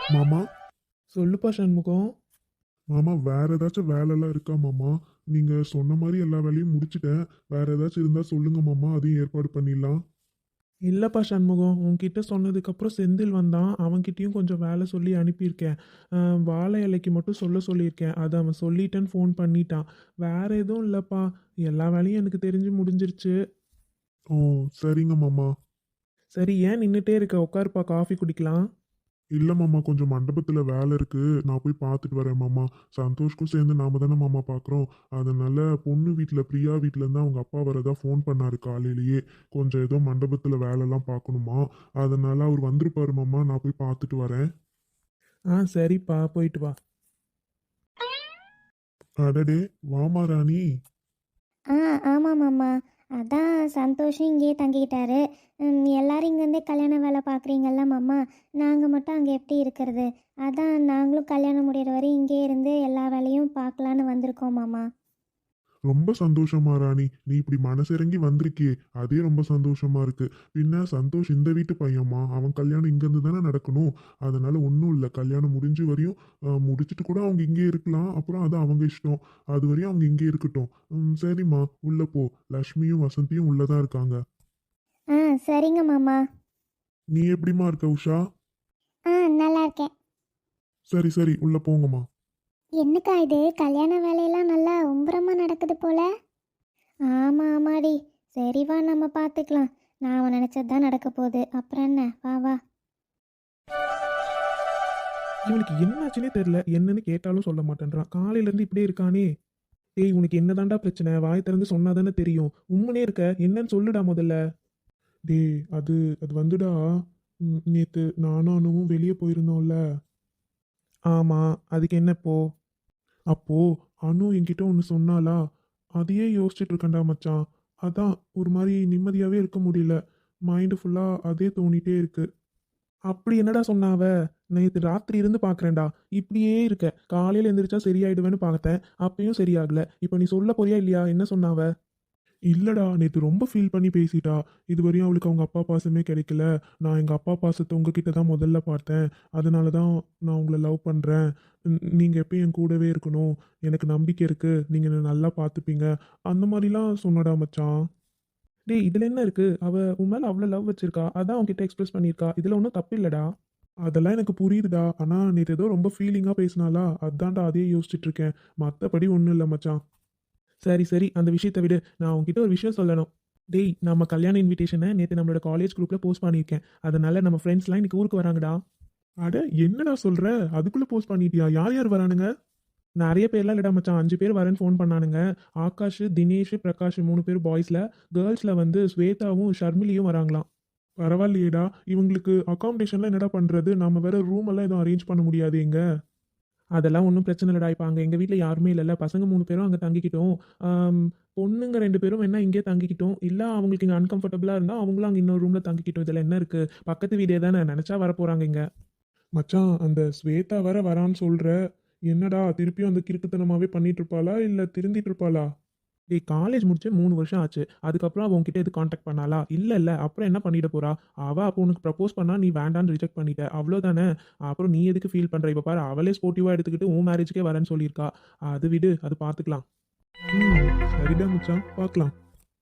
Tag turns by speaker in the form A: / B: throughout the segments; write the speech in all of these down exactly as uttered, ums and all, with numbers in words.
A: மாமா.
B: சொல்லுப்பா சண்முகம்.
A: மாமா, வேற ஏதாச்சும் வேலைலாம் இருக்கா மாமா? நீங்க சொன்ன மாதிரி எல்லா வேலையும் முடிச்சிட்டேன். வேற ஏதாச்சும் இருந்தா சொல்லுங்க மாமா, அதையும் ஏற்பாடு பண்ணிடலாம்.
B: இல்லைப்பா சண்முகம், உன்கிட்ட சொன்னதுக்கப்புறம் செந்தில் வந்தான். அவன்கிட்டயும் கொஞ்சம் வேலை சொல்லி அனுப்பியிருக்கேன். அஹ், வாழை இலைக்கு மட்டும் சொல்ல சொல்லியிருக்கேன். அதை அவன் சொல்லிட்டேன்னு ஃபோன் பண்ணிட்டான். வேற எதுவும் இல்லைப்பா. எல்லா வேலையும் எனக்கு தெரிஞ்சு முடிஞ்சிருச்சு.
A: ஓ, சரிங்க மாமா.
B: சரி, ஏன் நின்றுட்டே இருக்க? உட்காருப்பா, காஃபி குடிக்கலாம்.
A: இல்ல மாமா, கொஞ்சம் மண்டபத்துல வேலை இருக்கு. நான் போய் பார்த்துட்டு வரேன் மாமா. சந்தோஷ்க்கும் சேர்ந்து நாம தானே மாமா பார்க்குறோம். அதனால பொண்ணு வீட்டில் பிரியா வீட்ல இருந்து அவங்க அப்பா வரதா ஃபோன் பண்ணாரு காலையிலேயே. கொஞ்சம் ஏதோ மண்டபத்துல வேலைலாம் பார்க்கணுமா. அதனால அவர் வந்திருப்பாரு மாமா. நான் போய் பார்த்துட்டு வரேன்.
B: ஆ சரிப்பா, போயிட்டு வா.
A: அடடே, வாமா ராணி.
C: ஆ ஆமாம் மாமா. அதான் சந்தோஷம் இங்கேயே தங்கிக்கிட்டாரு. ம், எல்லாரும் இங்கேருந்தே கல்யாண வேலை பார்க்குறீங்கல்ல மாமா. நாங்கள் மட்டும் அங்கே எப்படி இருக்கிறது? அதான் நாங்களும் கல்யாணம் முடிகிற வரை இங்கேயே இருந்து எல்லா வேலையும் பார்க்கலான்னு வந்திருக்கோம் மாமா.
A: ரொம்ப சந்தோஷமா ராணி, நீ இப்படி மனசிறங்கி வந்திருக்கியே, அதே ரொம்ப சந்தோஷமா இருக்கு. பின்ன சந்தோஷ் இந்த வீட்டு பையன்மா, அவன் கல்யாணம் இங்கேருந்து தானே நடக்கணும். அதனால ஒன்றும் இல்லை, கல்யாணம் முடிஞ்சு வரையும் அஹ், முடிச்சிட்டு கூட அவங்க இங்கே இருக்கலாம். அப்புறம் அது அவங்க இஷ்டம். அது வரையும் அவங்க இங்கே இருக்கட்டும். ம், சரிம்மா, உள்ள போ. லக்ஷ்மியும் வசந்தியும் உள்ளதான் இருக்காங்க.
C: ஆ சரிங்க மாமா.
A: நீ எப்படிம்மா இருக்க உஷா?
C: ஆ நல்லா இருக்கேன்.
A: சரி சரி, உள்ள போங்கம்மா.
C: என்னக்கா இது, கல்யாண வேலையெல்லாம் நல்லா உம்பரமாக நடக்குது போல. ஆமாம் ஆமாடி. சரி வா, நம்ம பார்த்துக்கலாம். நான் நினச்சது தான் நடக்க போகுது. அப்புறம் என்ன, வா வா.
B: இவனுக்கு என்னாச்சுன்னே தெரியல. என்னன்னு கேட்டாலும் சொல்ல மாட்டேன்றான். காலையிலேருந்து இப்படியே இருக்கானே. டேய், உனக்கு என்னதான்டா பிரச்சனை? வாய் திறந்து சொன்னாதானே தெரியும். உம்முனே இருக்க, என்னன்னு சொல்லுடா முதல்ல.
A: டேய், அது அது வந்துடா. ம், நேத்து நானும் அனுவும் வெளியே போயிருந்தோம்ல.
B: ஆமா, அதுக்கு என்ன இப்போ?
A: அப்போ அனு என்கிட்ட ஒன்று சொன்னாலா. அதையே யோசிச்சுட்டு இருக்கேன்டா மச்சான். அதான் ஒரு மாதிரி நிம்மதியாவே இருக்க முடியல. மைண்டு ஃபுல்லா அதே தோணிட்டே இருக்கு.
B: அப்படி என்னடா சொன்னா அவ? நேற்று ராத்திரி இருந்து பார்க்குறேன்டா. இப்படியே இருக்க. காலையில் எந்திரிச்சா சரியாயிடுவேன்னு பார்த்தேன். அப்பயும் சரியாகல. இப்போ நீ சொல்ல போறியா இல்லையா? என்ன சொன்னா அவ?
A: இல்லடா, நேத்து ரொம்ப ஃபீல் பண்ணி பேசிட்டா. இதுவரையும் அவளுக்கு அவங்க அப்பா பாசமே கிடைக்கல. நான் எங்க அப்பா பாசத்தை உங்ககிட்ட தான் முதல்ல பார்த்தேன். அதனால தான் நான் உங்களை லவ் பண்றேன். ந- நீங்க எப்பயும் என் கூடவே இருக்கணும். எனக்கு நம்பிக்கை இருக்கு, நீங்க என்னை நல்லா பார்த்துப்பீங்க. அந்த மாதிரிலாம் சொன்னடா மச்சான்.
B: டேய், இதில் என்ன இருக்கு? அவ உன் மேலே அவ்வளோ லவ் வச்சிருக்கா. அதான் உன்கிட்ட எக்ஸ்பிரஸ் பண்ணியிருக்கா. இதில் ஒன்றும் தப்பு இல்லடா.
A: அதெல்லாம் எனக்கு புரியுதுடா. ஆனா நேத்து ஏதோ ரொம்ப ஃபீலிங்கா பேசினாலா, அதான்டா அதையே யோசிச்சுட்டு இருக்கேன். மத்தபடி ஒன்றும் இல்லை மச்சான்.
B: சரி சரி, அந்த விஷயத்தை விடு. நான் உன்கிட்ட ஒரு விஷயம் சொல்லணும். டேய், நம்ம கல்யாண இன்விடேஷனை நேற்று நம்மளோட காலேஜ் குரூப்பில் போஸ்ட் பண்ணியிருக்கேன். அதனால நம்ம ஃப்ரெண்ட்ஸ்லாம் இன்னைக்கு ஊருக்கு வராங்கடா.
A: அட, என்னடா சொல்ற? அதுக்குள்ள போஸ்ட் பண்ணிட்டியா? யார் யார் வரானுங்க?
B: நிறைய பேர்லாம் இல்லடா மச்சான், அஞ்சு பேர் வரேன்னு ஃபோன் பண்ணானுங்க. ஆகாஷ், தினேஷ், பிரகாஷ் மூணு பேர் பாய்ஸில். கேர்ள்ஸில் வந்து ஸ்வேதாவும் ஷர்மிலியும் வராங்களாம்.
A: பரவாயில்லையேடா. இவங்களுக்கு அகாமடேஷன்லாம் என்னடா பண்றது? நாம வேற ரூம் எல்லாம் எதுவும் அரேஞ்ச் பண்ண முடியாது எங்க?
B: அதெல்லாம் ஒன்றும் பிரச்சனை இல்லைடா. இப்போ அங்கே எங்கள் வீட்டில் யாருமே இல்லைல்ல. பசங்க மூணு பேரும் அங்கே தங்கிக்கிட்டோம். ஆம், பொண்ணுங்க ரெண்டு பேரும் வேணா இங்கேயே தங்கிக்கிட்டோம். இல்லை அவங்களுக்கு இங்கே அன்கம்ஃபர்டபுளாக இருந்தால் அவங்களும் அங்கே இன்னொரு ரூமில் தங்கிக்கிட்டோம். இதில் என்ன இருக்குது? பக்கத்து வீடே தானே, நினச்சா வரப்போகிறாங்க இங்கே.
A: மச்சான், அந்த ஸ்வேதா வேற வரான்னு சொல்ற. என்னடா திருப்பியும் அந்த கிறுக்குத்தனமாவே பண்ணிட்டு இருப்பாளா இல்ல திருந்திட்டு இருப்பாளா?
B: டேய், காலேஜ் முடிச்சு மூணு வருஷம் ஆச்சு. அதுக்கப்புறம் அவ உன்கிட்ட எது காண்டாக்ட் பண்ணாளா? இல்லை இல்லை, அப்புறம் என்ன பண்ணிட போறா? அவள் அப்போ உனக்கு ப்ரப்போஸ் பண்ணா, நீ வேண்டான்னு ரிஜெக்ட் பண்ணிட்ட, அவ்வளோதானே. அப்புறம் நீ எதுக்கு ஃபீல் பண்ணுற? இப்போ பாரு, அவளே ஸ்போர்ட்டிவாக எடுத்துக்கிட்டு உன் மேரேஜுக்கே வரேன்னு சொல்லியிருக்கா. அது விடு, அது பார்த்துக்கலாம்.
A: ம், சரிடா மச்சான், பார்க்கலாம்.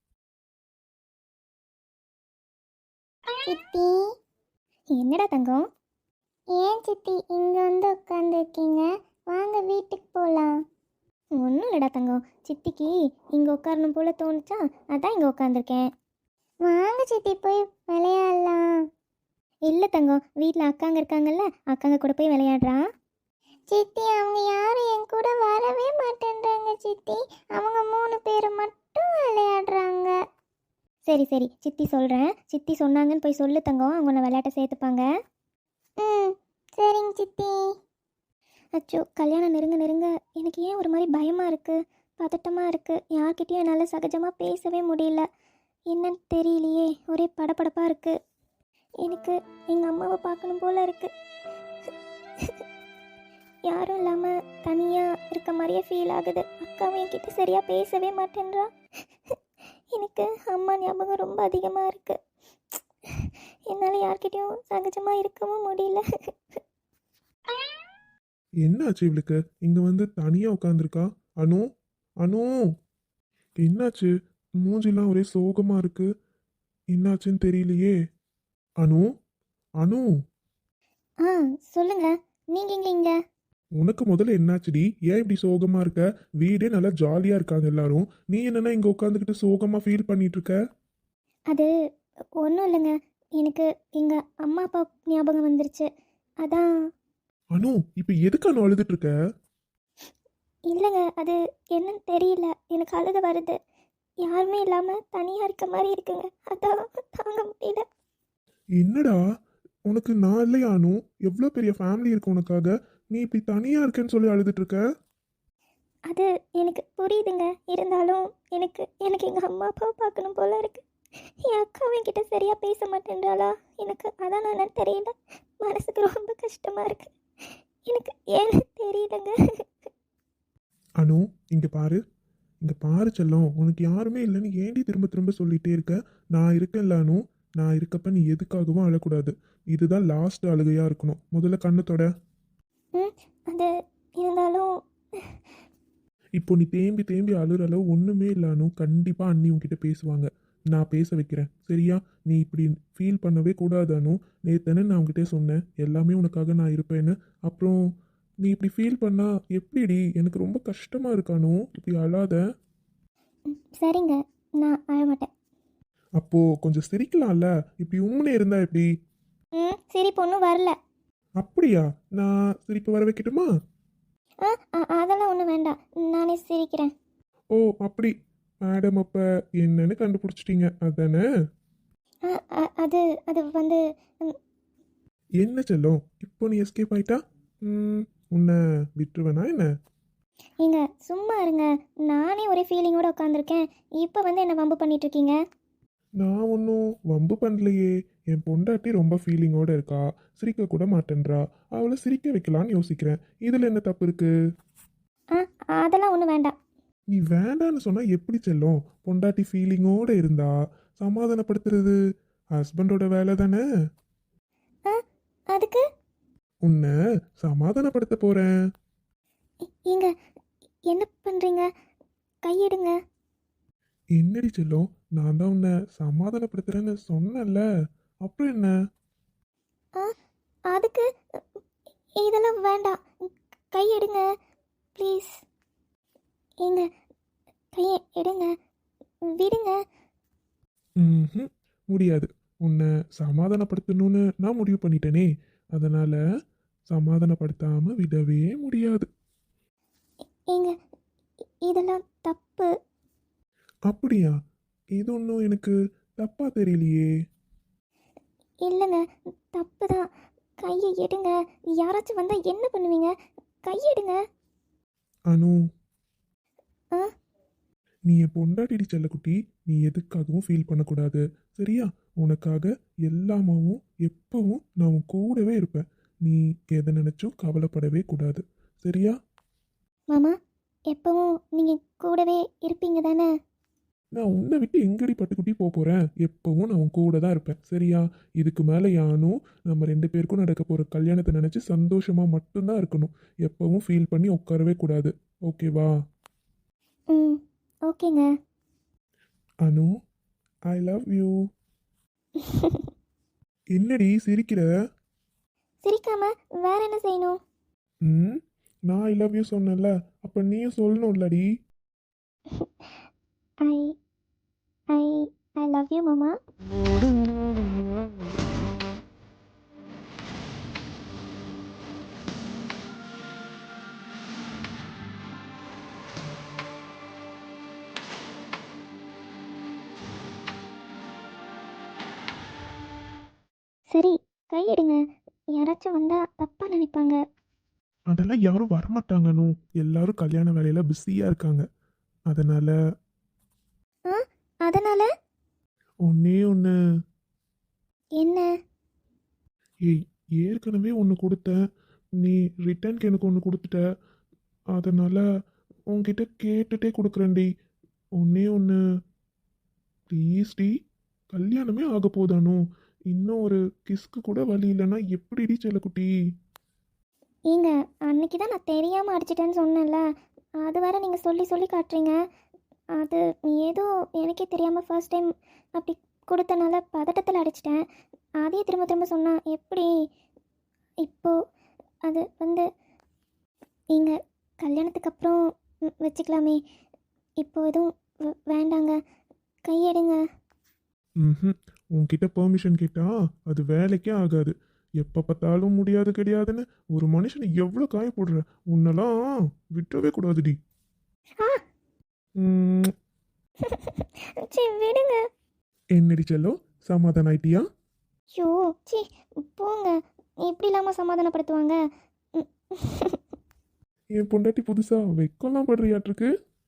C: சித்தி. என்னடா தங்கம்? ஏன் சித்தி இங்கே வந்து உட்காந்துருக்கீங்க? வாங்க வீட்டுக்கு போகலாம். ஒன்றும் இல்லைடா தங்கம், சித்திக்கு இங்கே உட்காரணும் போல தோணுச்சா, அதான் இங்கே உட்காந்துருக்கேன். வாங்க சித்தி, போய் விளையாடலாம். இல்லை தங்கம், வீட்டில் அக்காங்க இருக்காங்கல்ல, அக்காங்க கூட போய் விளையாடுறா. சித்தி, அவங்க யாரும் என் கூட வரவே மாட்டேன்றாங்க சித்தி. அவங்க மூணு பேர் மட்டும் விளையாடுறாங்க. சரி சரி, சித்தி சொல்கிறேன். சித்தி சொன்னாங்கன்னு போய் சொல்லு தங்கம், அவங்க உன்னை விளையாட்ட சேர்த்துப்பாங்க. ம், சரிங்க சித்தி. அச்சோ, கல்யாணம் நெருங்க நெருங்க எனக்கு ஏன் ஒரு மாதிரி பயமாக இருக்குது, பதட்டமாக இருக்குது. யார்கிட்டயும் என்னால் சகஜமாக பேசவே முடியல. என்னன்னு தெரியலையே, ஒரே படபடப்பாக இருக்குது. எனக்கு எங்கள் அம்மாவை பார்க்கணும் போல இருக்குது. யாரும் இல்லாமல் தனியாக இருக்க மாதிரியே ஃபீல் ஆகுது. அக்காவும் என்கிட்ட சரியாக பேசவே மாட்டேன்றா. எனக்கு அம்மா ஞாபகம் ரொம்ப அதிகமாக இருக்குது. என்னால் யார்கிட்டயும் சகஜமாக இருக்கவும் முடியல.
B: என்னாச்சு இவளுக்கு? இங்க வந்து தனியா உட்காந்துருக்கா. அனு, அனு, என்னாச்சு? மூஞ்சிலாம் ஒரே சோகமா இருக்கு. என்னாச்சுன்னு தெரியலையே. அனு, அனு,
C: ஆ சொல்லுங்க. நீங்கள் எங்கே இங்கே?
B: உனக்கு முதல்ல என்னாச்சுடி? ஏன் இப்படி சோகமா இருக்க? வீடே நல்லா ஜாலியா இருக்காங்க எல்லாரும். நீ என்னன்னா இங்க உட்காந்துக்கிட்டு சோகமா ஃபீல் பண்ணிட்டு இருக்க?
C: அது ஒன்றும் இல்லைங்க. எனக்கு எங்கள் அம்மா அப்பா ஞாபகம் வந்துருச்சு. அதான்.
B: அனு, இப்ப எதுக்கு அனு அழுதுட்டு இருக்க?
C: இல்லைங்க, அது என்னன்னு தெரியல. எனக்கு அழுக வருது. யாருமே இல்லாமல் தனியாக இருக்க மாதிரி இருக்குங்க. அதான் தாங்க முடியல.
B: என்னடா, உனக்கு நான் இல்லையா அனு? எவ்வளோ பெரிய ஃபேமிலி இருக்கு உனக்காக. நீ இப்படி தனியா இருக்கேன்னு சொல்லி அழுதுட்டு இருக்க?
C: அது எனக்கு புரியுதுங்க. இருந்தாலும் எனக்கு எனக்கு எங்கள் அம்மா அப்பாவை பார்க்கணும் போல இருக்கு. என் அக்காவும் என்கிட்ட சரியாக பேச மாட்டேன்றாளா? எனக்கு அதான் நான் தெரியல. மனசுக்கு ரொம்ப கஷ்டமாக இருக்கு. எனக்கு ஏன்னு தெரியலங்க.
B: அனு, இங்க பாரு, இங்க பாரு செல்லம். உனக்கு யாருமே இல்லைன்னு ஏண்டி திரும்ப திரும்ப சொல்லிட்டே இருக்க? நான் இருக்கேன்ல அனு. நான் இருக்கப்ப நீ எதுக்காகவும் அழக்கூடாது. இதுதான் லாஸ்ட் அழுகையா இருக்கணும். முதல்ல கண்ணு தொட.
C: ம் அது இருந்தாலும்
B: இப்போ நீ தேம்பி தேம்பி அழுற அளவு ஒன்றுமே இல்லை அனு. கண்டிப்பாக அண்ணி உன்கிட்ட பேசுவாங்க. நான் பேச வைக்கிறேன், சரியா? நீ இப்படி ஃபீல் பண்ணவே கூடாது அனு. நேத்தனே நான் உன்கிட்ட சொன்னேன் எல்லாமே உனக்காக நான் இருப்பேன்னு. அப்புறம் நீ இப்படி ஃபீல் பண்ணா எப்படிடி? எனக்கு ரொம்ப கஷ்டமாக இருக்கு அனு. இப்படி அழாத.
C: ம், சரிங்க, நான் அழமாட்டேன்.
B: அப்போ கொஞ்சம் சிரிக்கலாம்ல. இப்படி உம்முனே இருந்தா எப்படி?
C: ம் சரி, பொண்ணும் வரல.
B: அப்படியா? நான் சிரிப்பு வர வைக்கட்டுமா?
C: ஆ அ- அதெல்லாம் ஒன்றும் வேண்டாம். நானே சிரிக்கிறேன்.
B: ஓ, அப்படி. மேடம் அப்போ என்னன்னு கண்டுபிடிச்சிட்டீங்க அதானே?
C: ஆ அ- அது அது வந்து ம்,
B: என்ன செல்லம், இப்போ நீ எஸ்கேப் ஆயிட்டா? ம், உன்னை விட்டுருவேனா என்ன?
C: ஏங்க சும்மா இருங்க. நானே ஒரே ஃபீலிங்கோட உட்காந்துருக்கேன். இப்போ வந்து என்ன வம்பு பண்ணிட்டு இருக்கீங்க?
B: நான் ஒன்றும் வம்பு பண்ணலையே. என் பொண்டாட்டி ரொம்ப ஃபீலிங்கோட இருக்கா. சிரிக்க கூட மாட்டேன்றா. அவளை சிரிக்க வைக்கலான்னு யோசிக்கிறேன். இதில் என்ன தப்பு இருக்கு?
C: ஆ அதெல்லாம் ஒன்றும் வேண்டாம்.
B: நீ வேண்டான்னு சொன்னா எப்படி செல்லும்? பொண்டாட்டி ஃபீலிங்கோட இருந்தா சமாதானப்படுத்துறது ஹஸ்பண்டோட வேலை தானே.
C: ஆ அதுக்கு
B: உன்னை சமாதானப்படுத்த போறேன்.
C: இ- ஏங்க என்ன பண்ணுறீங்க? கையெடுங்க.
B: என்னடி செல்லம், நான் தான் உன்னை சமாதானப்படுத்துறேன்னு சொன்னேன்ல. அப்புறம் என்ன?
C: ஆ அதுக்கு இதெல்லாம் வேண்டாம். கையெடுங்க ப்ளீஸ். ஏங்க கையை எடுங்க. விடுங்க.
B: ம், முடியாது. உன்னை சமாதானப்படுத்தணும்னு நான் முடிவு பண்ணிட்டேனே. அதனால சமாதானப்படுத்தாம விடவே முடியாது.
C: ஏங்க இதெல்லாம் தப்பு.
B: அப்படியா? இது ஒன்றும் எனக்கு தப்பா தெரியலையே.
C: இல்லைங்க, தப்பு தான். கையை எடுங்க. யாராச்சும் வந்தால் என்ன பண்ணுவீங்க? கையெடுங்க.
B: அனு,
C: ஆ
B: நீ என் பொண்டாட்டிடி செல்லக்குட்டி. நீ எதுக்காகவும் ஃபீல் பண்ணக்கூடாது, சரியா? உனக்காக எல்லாமாவும் எப்பவும் நான் உன் கூடவே இருப்பேன். நீ எதை நினைச்சும் கவலைப்படவே கூடாது, சரியா?
C: மாமா, எப்பவும் நீங்கள் கூடவே இருப்பீங்க தானே?
B: நான் உன்னை விட்டு எங்கடி பட்டுக்குட்டி போக போகிறேன்? எப்பவும் நான் உன் கூட தான் இருப்பேன், சரியா? இதுக்கு மேலே யானும் நம்ம ரெண்டு பேருக்கும் நடக்க போகிற கல்யாணத்தை நினச்சி சந்தோஷமாக மட்டும்தான் இருக்கணும். எப்பவும் ஃபீல் பண்ணி உட்காரவே கூடாது, ஓகேவா?
C: ம் ஓகேங்க.
B: Anu, I love you. என்னடி சிரிக்கிற?
C: சிரிக்காம வேற என்ன செய்யணும்?
B: ம், நான் ஐ லவ் யூ சொன்னேன்ல, அப்போ நீயும் சொல்லணும்லடி.
C: ஐ ஐ ஐ லவ் யூ மாமா. சரி, கையெடுங்க. யாராச்சும் வந்தால் தப்பாக நினைப்பாங்க.
B: அதெல்லாம் யாரும் வரமாட்டாங்க அனு. எல்லாரும் கல்யாண வேலையில் பிஸியாக இருக்காங்க. அதனால
C: ஆ அதனால்
B: ஒன்னே ஒன்று.
C: என்ன?
B: ஏய், ஏற்கனவே ஒன்று கொடுத்தேன். நீ ரிட்டர்னுக்கு எனக்கு ஒன்று கொடுத்துட்ட. அதனால் உன்கிட்ட கேட்டுட்டே கொடுக்குறேன்டி. ஒன்னே ஒன்று ப்ளீஸ் டி. கல்யாணமே ஆக போதானோ? இன்னும் ஒரு கிஸ்க்கு கூட வழி இல்லைன்னா எப்படிடி செல்லக்குட்டி?
C: ஏங்க அன்னைக்கு தான் நான் தெரியாமல் அடிச்சிட்டேன்னு சொன்னேன்ல, அது வேற நீங்கள் சொல்லி சொல்லி காட்டுறீங்க. அது ஏதோ எனக்கே தெரியாமல் ஃபர்ஸ்ட் டைம் அப்படி கொடுத்தனால பதட்டத்தில் அடிச்சிட்டேன். அதையே திரும்ப திரும்ப சொன்னா எப்படி? இப்போ அது வந்து ஏங்க கல்யாணத்துக்கு அப்புறம் ம், வச்சுக்கலாமே. இப்போ எதுவும் வே- வேண்டாங்க, கையெடுங்க.
A: ம் உன்கிட்ட பெர்மிஷன் கேட்டா அது வேலைக்கே ஆகாது. எப்போ பார்த்தாலும் முடியாது கிடையாதுன்னு ஒரு மனுஷனை எவ்வளோ காயப்படுற. உன்னெல்லாம் விட்டுறவே கூடாதுடி.
C: ஆ
A: ம்,
C: சி விடுங்க.
A: என்னடி செல்லம், சமாதானம் ஆயிட்டியா?
C: ஐயோ சி போங்க, எப்படி இல்லாமல் சமாதானப்படுத்துவாங்க? ம்.
A: என் பொண்டாட்டி புதுசா வெக்கம்லாம் படுறியாட்டிருக்கு.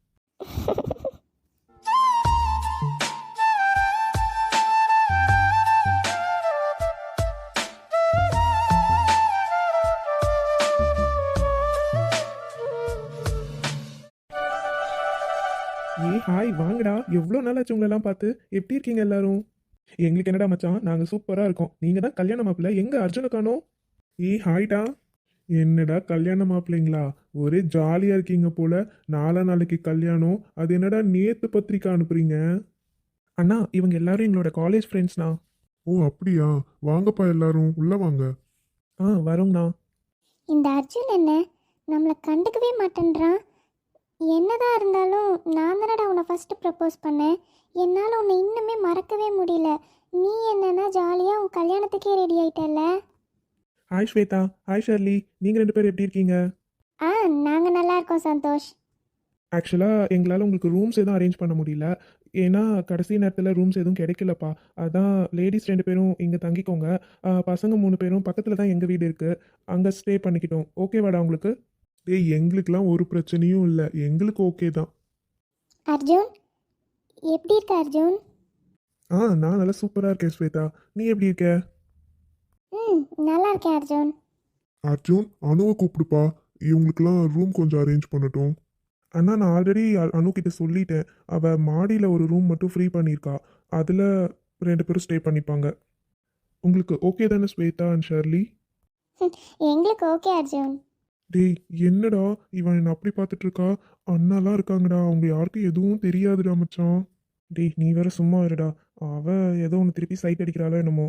B: ஏய் ஹாய் வாங்கடா, எவ்வளோ நாள் ஆச்சு உங்களெல்லாம் பார்த்து. எப்படி இருக்கீங்க எல்லாரும்? எங்களுக்கு என்னடா மச்சான், நாங்கள் சூப்பராக இருக்கோம். நீங்கள் தான் கல்யாண மாப்பிள்ளை, எங்கே அர்ஜுனை காணோம்? ஏய் ஹாய்டா.
A: என்னடா கல்யாண மாப்பிள்ளைங்களா, ஒரே ஜாலியா இருக்கீங்க போல. நாலா நாளைக்கு கல்யாணம், அது என்னடா நேத்து பத்திரிக்கை அனுப்புறீங்க?
B: அண்ணா இவங்க எல்லாரும் எங்களோட காலேஜ் ஃப்ரெண்ட்ஸ்ண்ணா.
A: ஓ அப்படியா, வாங்கப்பா எல்லாரும் உள்ள வாங்க.
B: ஆ வரோங்கண்ணா.
C: இந்த அர்ஜுன் என்ன நம்மளை கண்டுக்கவே மாட்டேன்றான். என்னதான் இருந்தாலும் நான் தானடா உன்னை ஃபஸ்ட்டு ப்ரப்போஸ் பண்ணேன். என்னால் உன்னை இன்னுமே மறக்கவே முடியல. நீ என்னன்னா ஜாலியாக உன் கல்யாணத்துக்கே ரெடி ஆயிட்டல்ல.
B: ஹாய் ஸ்வேதா, ஹாய் ஷர்லி, நீங்கள் ரெண்டு பேரும் எப்படி இருக்கீங்க?
C: ஆ நாங்கள் நல்லா இருக்கோம் சந்தோஷ்.
B: ஆக்சுவலாக எங்களால் உங்களுக்கு ரூம்ஸ் எதுவும் அரேஞ்ச் பண்ண முடியல. ஏன்னா கடைசி நேரத்தில் ரூம்ஸ் எதுவும் கிடைக்கலப்பா. அதான் லேடிஸ் ரெண்டு பேரும் இங்கே தங்கிக்கோங்க. ஆ, பசங்க மூணு பேரும் பக்கத்தில் தான் எங்கள் வீடு இருக்குது, அங்கே ஸ்டே பண்ணிக்கிட்டோம். ஓகேவாடா உங்களுக்கு?
A: டேய் எங்களுக்கெல்லாம் ஒரு பிரச்சனையும் இல்லை, எங்களுக்கு ஓகே தான்.
C: அர்ஜுன் எப்படி இருக்க அர்ஜுன்?
B: ஆ நான் நல்லா சூப்பராக இருக்கேன் ஸ்வேதா, நீ எப்படி இருக்க?
C: ம் நல்லா இருக்கேன் அர்ஜுன்.
A: அர்ஜுன், அணுவை கூப்பிடுப்பா, இவங்களுக்கெல்லாம் ரூம் கொஞ்சம் அரேஞ்ச் பண்ணட்டும்.
B: அண்ணா நான் ஆல்ரெடி அனு கிட்ட சொல்லிட்டேன். அவள் மாடியில் ஒரு ரூம் மட்டும் ஃப்ரீ பண்ணியிருக்கா, அதில் ரெண்டு பேரும் ஸ்டே பண்ணிப்பாங்க. உங்களுக்கு ஓகே தானே ஸ்வேதா அண்ட் ஷர்லி?
C: எங்களுக்கு ஓகே அர்ஜுன்.
B: டேய் என்னடா இவன் என்ன அப்படி பார்த்துட்டு இருக்கா? அண்ணாலாம் இருக்காங்கடா, அவங்க யாருக்கும் எதுவும் தெரியாதுடா மச்சான். டேய் நீ வேற சும்மா இருடா, அவ ஏதோ ஒன்று திருப்பி சைட் அடிக்கிறாளோ என்னமோ.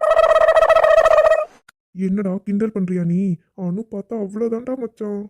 B: என்னடா கிண்டல் பண்றியா நீ? அனு பார்த்தா அவ்வளோதான்டா மச்சான்.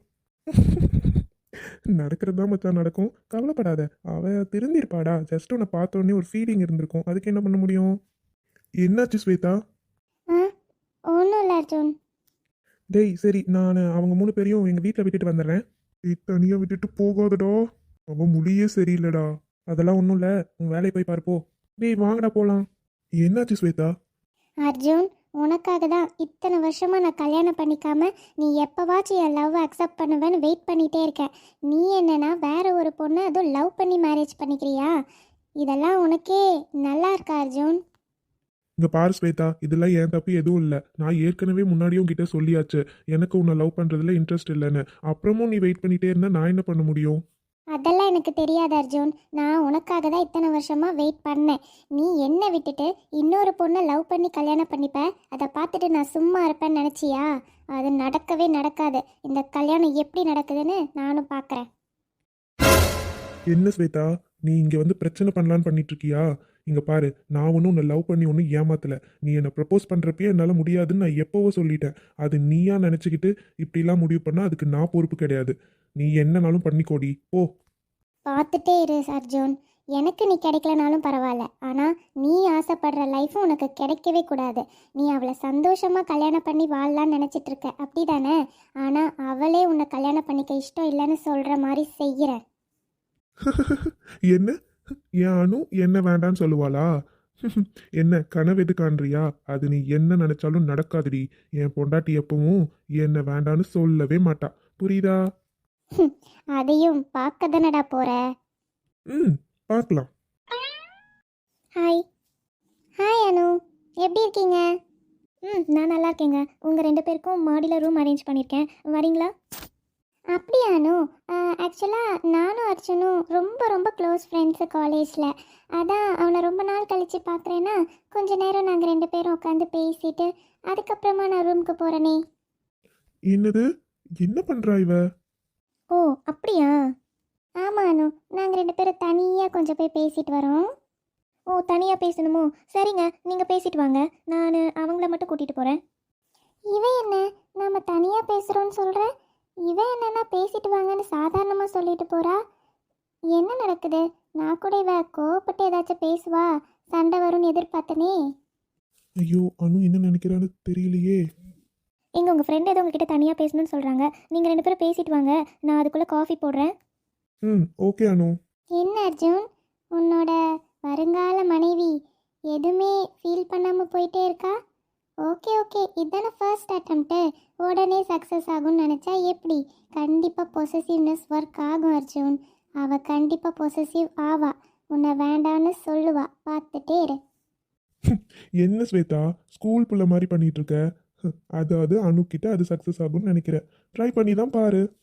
B: நடக்கிறது தான் மச்சான் நடக்கும், கவலைப்படாத. அவ திருந்திருப்பாடா, ஜஸ்ட் உன்னை பார்த்தோன்னே ஒரு ஃபீலிங் இருந்திருக்கும், அதுக்கு என்ன பண்ண முடியும்? என்னாச்சு ஸ்வேதா?
C: ஆ ஒன்றும் இல்லை அர்ஜுன்.
B: டேய் சரி, நான் அவங்க மூணு பேரையும் எங்கள் வீட்டில் விட்டுட்டு வந்துடுறேன்.
A: நீ தனியா விட்டுட்டு போகாதடா, அவன் முடியே சரியில்லைடா.
B: அதெல்லாம் ஒன்றும் இல்லை, உன் வேலையை போய் பார்ப்போ. டேய் வாங்கடா போகலாம்.
A: என்னாச்சு ஸ்வேதா?
C: அர்ஜுன் உனக்காக தான் இத்தனை வருஷமா நான் கல்யாணம் பண்ணிக்காம நீ எப்பவாச்சும் என் லவ் அக்செப்ட் பண்ணுவேன்னு வெயிட் பண்ணிட்டே இருக்கேன். நீ என்னன்னா வேற ஒரு பொண்ணை அதுவும் லவ் பண்ணி மேரேஜ் பண்ணிக்கிறியா? இதெல்லாம் உனக்கே நல்லா இருக்கா அர்ஜுன்?
B: இங்கே பாரு ஸ்வேதா, இதெல்லாம் என் தப்பு எதுவும் இல்லை. நான் ஏற்கனவே முன்னாடியும் கிட்ட சொல்லியாச்சு, எனக்கு உன்னை லவ் பண்ணுறதுல இன்ட்ரெஸ்ட் இல்லைன்னு. அப்புறமும் நீ வெயிட் பண்ணிட்டே இருந்தால் நான் என்ன பண்ண முடியும்?
C: அதெல்லாம் எனக்கு தெரியாது அர்ஜுன். நான் உனக்காக தான் இத்தனை வருஷமா வெயிட் பண்ணேன். நீ என்னை விட்டுட்டு இன்னொரு பொண்ணை லவ் பண்ணி கல்யாணம் பண்ணிப்ப, அதை பார்த்துட்டு நான் சும்மா இருப்பேன்னு நினச்சியா? அது நடக்கவே நடக்காது. இந்த கல்யாணம் எப்படி நடக்குதுன்னு நானும் பார்க்குறேன்.
B: என்ன ஸ்வேதா, நீ இங்கே வந்து பிரச்சனை பண்ணலான்னு பண்ணிட்டு இருக்கியா? இங்கே பாரு, நான் ஒன்றும் உன்னை லவ் பண்ணி ஒன்றும் ஏமாத்தலை. நீ என்னை ப்ரப்போஸ் பண்ணுறப்பயே என்னால் முடியாதுன்னு நான் எப்போவோ சொல்லிட்டேன். அது நீயா நினச்சிக்கிட்டு இப்படிலாம் முடிவு பண்ணால் அதுக்கு நான் பொறுப்பு கிடையாது. நீ என்னனாலும் பண்ணிக்கோடி போ.
C: பார்த்துட்டே இரு அர்ஜுன். எனக்கு நீ கிடைக்கலனாலும் பரவாயில்ல, ஆனால் நீ ஆசைப்படுற லைஃப்பும் உனக்கு கிடைக்கவே கூடாது. நீ அவளை சந்தோஷமாக கல்யாணம் பண்ணி வாழலான்னு நினச்சிட்டு இருக்க, அப்படி தானே? ஆனால் அவளே உன்னை கல்யாணம் பண்ணிக்க இஷ்டம் இல்லைன்னு சொல்கிற மாதிரி செய்கிற.
B: என்ன, என் அனு என்ன வேண்டான்னு சொல்லுவாளா? என்ன கனவு எது காண்றியா? அது நீ என்ன நினைச்சாலும் நடக்காதுடி. என் பொண்டாட்டி எப்பவும் என்ன வேண்டான்னு சொல்லவே மாட்டா, புரியுதா?
C: அதையும் பார்க்க தானடா போற.
B: ம் பார்க்கலாம்.
C: ஹாய். ஹாய் அனு, எப்படி இருக்கீங்க? ம் நான் நல்லா இருக்கேங்க. உங்கள் ரெண்டு பேருக்கும் மாடியில் ரூம் அரேஞ்ச் பண்ணியிருக்கேன், வரீங்களா? அப்படியா அனு? ஆக்சுவலாக நானும் அர்ஜுனும் ரொம்ப ரொம்ப க்ளோஸ் ஃப்ரெண்ட்ஸு காலேஜில். அதான் அவனை ரொம்ப நாள் கழித்து பார்க்குறேன்னா கொஞ்ச நேரம் நாங்கள் ரெண்டு பேரும் உட்காந்து பேசிட்டு அதுக்கப்புறமா நான் ரூமுக்கு போகிறேனே.
B: என்னது? என்ன பண்றா இவ?
C: ஓ அப்படியா? ஆமாம் அனு, நாங்கள் ரெண்டு பேரும் தனியாக கொஞ்சம் போய் பேசிட்டு வரோம். ஓ தனியாக பேசணுமோ? சரிங்க, நீங்கள் பேசிட்டு வாங்க, நான் அவங்கள மட்டும் கூட்டிகிட்டு போகிறேன். இவன் என்ன நம்ம தனியாக பேசுகிறோன்னு சொல்கிற? இவன் என்னன்னா பேசிட்டு வாங்கன்னு சாதாரணமாக சொல்லிட்டு போகிறா. என்ன நடக்குது? நான் கூட இவ கோவப்பட்டு ஏதாச்சும் பேசுவா, சண்டை வரும்னு எதிர்பார்த்தனே.
B: ஐயோ, அனு என்ன நினைக்கிறான்னு தெரியலையே.
C: எங்க உங்கள் ஃப்ரெண்ட் ஏதோ உங்ககிட்ட தனியாக பேசணும்னு சொல்கிறாங்க. நீங்கள் ரெண்டு பேரும் பேசிட்டு வாங்க, நான் அதுக்குள்ளே காஃபி போடுறேன்.
B: ம், ஓகே அனு.
C: என்ன அர்ஜுன், உன்னோட வருங்கால மனைவி எதுவுமே ஃபீல் பண்ணாமல் போயிட்டே இருக்கா? ஓகே ஓகே, இதுதானே ஃபர்ஸ்ட் அட்டம்ப்ட்டு, உடனே சக்ஸஸ் ஆகும்னு நினச்சா எப்படி? கண்டிப்பாக பொசசிவ்னஸ் ஒர்க் ஆகும் அர்ஜுன். அவள் கண்டிப்பாக பொசசிவ் ஆவா, உன்னை வேண்டான்னு சொல்லுவா, பார்த்துட்டே இரு.
B: என்ன ஸ்வேதா, ஸ்கூல் புள்ள மாதிரி பண்ணிட்டு இருக்க? அதாவது அனு கிட்ட அது சக்ஸஸ் ஆகும்னு நினைக்கிறேன். ட்ரை பண்ணி தான் பாரு.